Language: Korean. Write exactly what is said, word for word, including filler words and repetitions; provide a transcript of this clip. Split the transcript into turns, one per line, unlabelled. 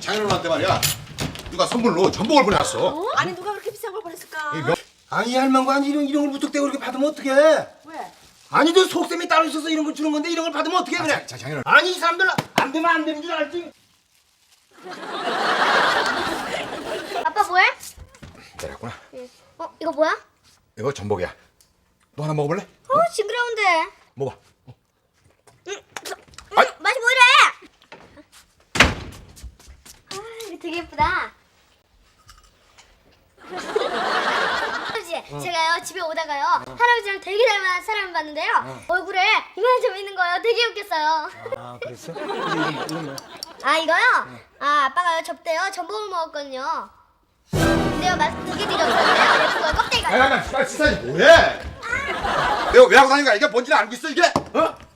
장인어른한테 말이야 누가 선물로 전복을 보내왔어.
어? 아니 누가 그렇게 비싼 걸 보냈을까?
이 명-
아니 할망구 아니 이런 이런 걸 무턱대고 이렇게 받으면 어떡해?
왜?
아니 너 속셈이 따로 있어서 이런 걸 주는 건데 이런 걸 받으면 어떡해 그래?
자, 자, 장인어른.
아니 이 사람들 안 되면 안 되는 줄 알지?
아빠 뭐해?
내렸구나.
어 이거 뭐야?
이거 전복이야. 너 하나 먹어볼래?
어 징그러운데.
먹어.
음, 저, 음,
아이.
맛이 뭐 이래? 아 이거 되게 예쁘다. 할아버지 제가요 집에 오다가요 할아버지랑 되게 닮은 사람을 봤는데요 얼굴에 이만한 점 있는 거예요. 되게 웃겼어요.
아 그랬어? 근데 이건 뭐, 이건 뭐?
아 이거요? 아 아빠가요 접대요 전복을 먹었거든요. 근데요 맛 되게 되게 없었는데요 예쁜 거요 껍데기가.
야야야 빨리 치사지 뭐해? 내가 왜 하고 다니는 거야? 이게 뭔지는 알고 있어 이게? 어?